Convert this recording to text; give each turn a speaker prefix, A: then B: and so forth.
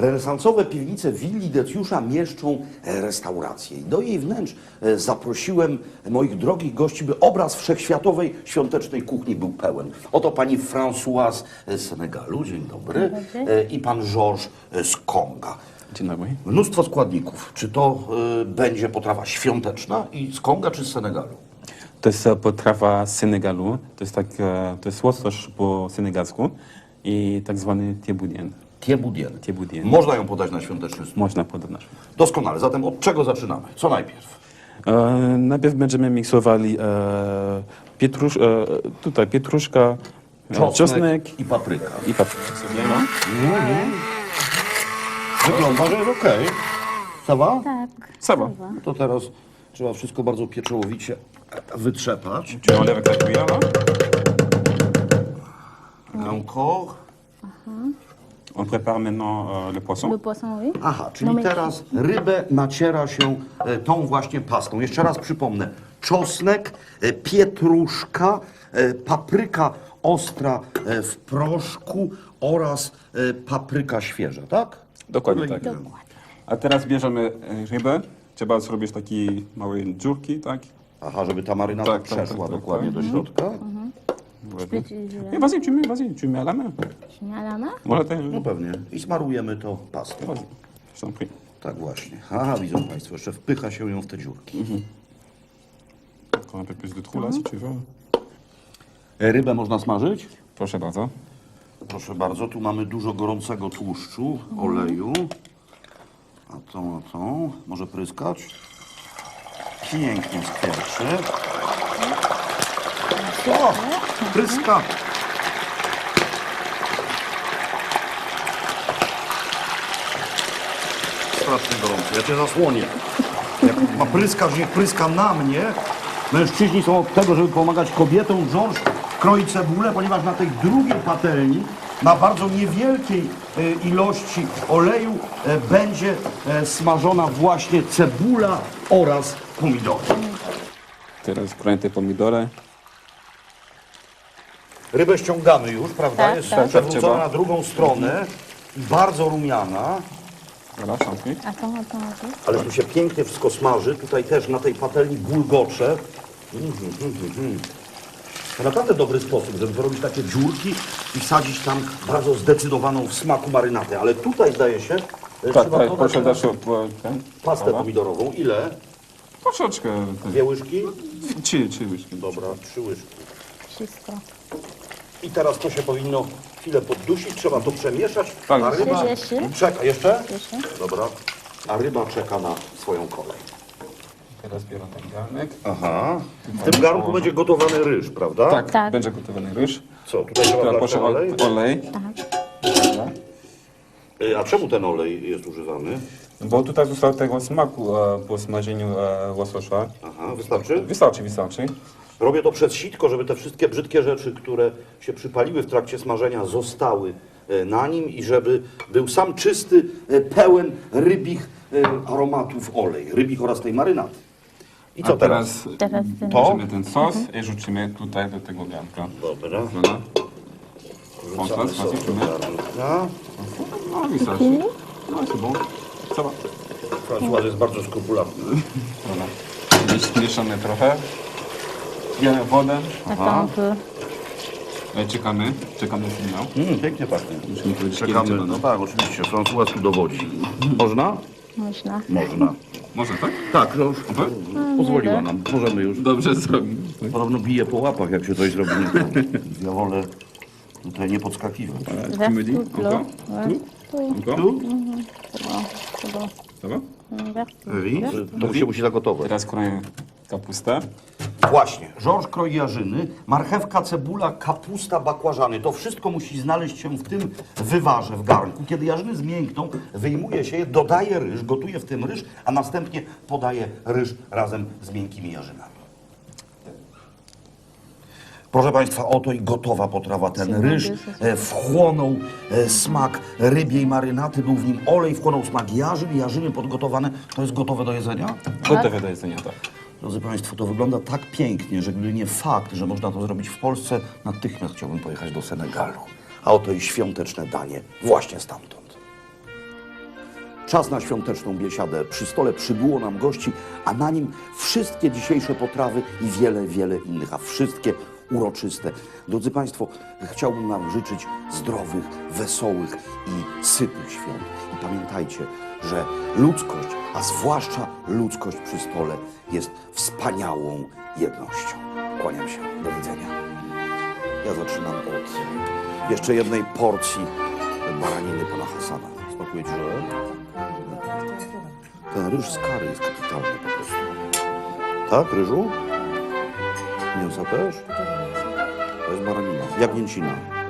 A: Renesansowe piwnice willi Deciusza mieszczą restaurację. I do jej wnętrz zaprosiłem moich drogich gości, by obraz wszechświatowej świątecznej kuchni był pełen. Oto pani Françoise z Senegalu, dzień dobry, i pan Georges z Konga.
B: Dzień dobry.
A: Mnóstwo składników. Czy to będzie potrawa świąteczna i z Konga, czy z Senegalu?
B: To jest potrawa z Senegalu. To jest łosoś po senegalsku i tak zwany thieboudienne.
A: Thieboudienne. Można ją podać na świąteczny stół.
B: Można podać.
A: Doskonale. Zatem od czego zaczynamy? Co najpierw?
B: Najpierw będziemy miksowali pietruszka, czosnek
A: i papryka.
B: i paprykę sobie. No.
A: Wygląda, że jest okej. Sawa?
C: Tak.
B: Sawa.
A: To teraz trzeba wszystko bardzo pieczołowicie wytrzepać.
B: Tu enlèves la cuillère là.
A: Encore.
B: On prépare maintenant le poisson.
C: Le poisson, oui.
A: Aha, czyli
C: No my-
A: teraz rybę naciera się tą właśnie pastą. Jeszcze raz przypomnę. Czosnek, pietruszka, papryka ostra w proszku oraz papryka świeża, tak?
B: Dokładnie tak. A teraz bierzemy rybę. Trzeba zrobić takie małe dziurki, tak?
A: Aha, żeby ta marynata
B: Tak,
A: przeszła
B: tak,
A: dokładnie do środka.
B: Et vas-y, tu mets à la main.
C: Tu mets à la main?
B: Voilà, t'as...
A: No pewnie. I smarujemy to pastą.
B: Vas-y, je t'en prie.
A: Tak właśnie. Aha, widzą Państwo, jeszcze wpycha się ją w te dziurki.
B: Encore un peu plus de trous là, si tu veux.
A: Rybę można smażyć?
B: Proszę bardzo.
A: Proszę bardzo, tu mamy dużo gorącego tłuszczu, oleju. A tą, może pryskać? Pięknie skwierczy. O, pryska! Strasznie gorąco, ja cię zasłonię. Jak ma pryskać, niech pryska na mnie. Mężczyźni są od tego, żeby pomagać kobietom. Georges kroi cebulę, ponieważ na tej drugiej patelni, na bardzo niewielkiej ilości oleju będzie smażona właśnie cebula oraz pomidory.
B: Teraz kroję pomidory.
A: Rybę ściągamy już, prawda?
C: Tak,
A: Jest
C: tak.
A: przewrócona na drugą stronę. Bardzo rumiana,
B: Voilà, je t'en prie.
C: Attends.
A: ale tu się pięknie wszystko smaży. Tutaj też na tej patelni bulgocze. To naprawdę dobry sposób, żeby zrobić takie dziurki i wsadzić tam bardzo zdecydowaną w smaku marynatę. Ale tutaj zdaje się,
B: Tak,
A: trzeba
B: tak,
A: dodać
B: proszę dać ten.
A: pastę
B: Dobra.
A: pomidorową. Ile?
B: Troszeczkę.
A: 2 łyżki?
B: Trzy łyżki.
A: Dobra, 3 łyżki.
C: Wszystko.
A: I teraz to się powinno chwilę poddusić, trzeba to przemieszać.
B: Tak.
A: A ryba
C: Jeszcze?
A: czeka. Jeszcze?
C: Jeszcze?
A: Dobra. A ryba czeka na swoją kolej.
B: Teraz biorę ten garnek.
A: Aha. W tym garnku będzie gotowany ryż, prawda?
B: Tak,
C: Tak.
B: będzie gotowany ryż.
A: Co, tutaj trzeba
B: Teraz
A: wlać
B: proszę
A: ten olej?
B: olej. Dobra.
A: A czemu ten olej jest używany?
B: Bo tutaj został tego smaku po smażeniu łososia.
A: Aha, wystarczy?
B: Wystarczy.
A: Robię to przez sitko, żeby te wszystkie brzydkie rzeczy, które się przypaliły w trakcie smażenia, zostały na nim i żeby był sam czysty, pełen rybich aromatów olej, rybich oraz tej marynaty. I co
B: A
A: teraz?
C: Teraz ten...
A: To?
B: bierzemy ten sos i rzucimy tutaj do tego garnka.
A: Dobra.
B: Voilà.
A: Wrzucamy
B: sos,
A: sos do
B: rzucimy.
A: garnka.
B: No, wystarczy. No, c'est bon. Ça va.
A: François jest bardzo skrupulatny.
B: Voilà. Mieszamy trochę. Bierzemy wodę.
C: Attends un peu.
B: Czekamy sygnał.
A: Pięknie pachnie.
B: Musimy powiedzieć, kiedy
A: Czekamy.
B: trzeba,
A: No tak, oczywiście. François tu dowodzi. Można?
C: Można.
A: Można.
B: Może tak?
A: Tak, no już pozwoliła nam. Możemy już.
B: Dobrze zrobimy.
A: Podobno bije po łapach, jak się coś zrobi nie tak. Ja wolę tutaj nie podskakiwać.
B: Tu me dis,
C: Vers tout, là.
B: encore?
C: Ouais.
B: Encore?
A: Tu?
C: C'est bon.
B: Ça va?
C: Vers tout.
A: Wi? To się musi zagotować.
B: Teraz kroję kapustę.
A: Właśnie. Georges kroi jarzyny, marchewka, cebula, kapusta, bakłażany. To wszystko musi znaleźć się w tym wywarze, w garnku. Kiedy jarzyny zmiękną, wyjmuje się je, dodaje ryż, gotuje w tym ryż, a następnie podaje ryż razem z miękkimi jarzynami. Proszę Państwa, oto i gotowa potrawa. Ten ryż wchłonął smak rybiej marynaty, był w nim olej, wchłonął smak jarzyn, jarzyny podgotowane. To jest gotowe do jedzenia?
B: Gotowe do jedzenia, tak.
A: Drodzy Państwo, to wygląda tak pięknie, że gdyby nie fakt, że można to zrobić w Polsce, natychmiast chciałbym pojechać do Senegalu. A oto i świąteczne danie właśnie stamtąd. Czas na świąteczną biesiadę. Przy stole przybyło nam gości, a na nim wszystkie dzisiejsze potrawy i wiele, wiele innych, a wszystkie uroczyste. Drodzy Państwo, chciałbym nam życzyć zdrowych, wesołych i sytych świąt. I pamiętajcie, że ludzkość, a zwłaszcza ludzkość przy stole jest wspaniałą jednością. Kłaniam się. Do widzenia. Ja zaczynam od jeszcze jednej porcji baraniny pana Hasana. Smakuje ci, że? Ten ryż z kary jest kapitalny po prostu. Tak, ryżu? Mięsa też? To jest baranina. Jagnięcina.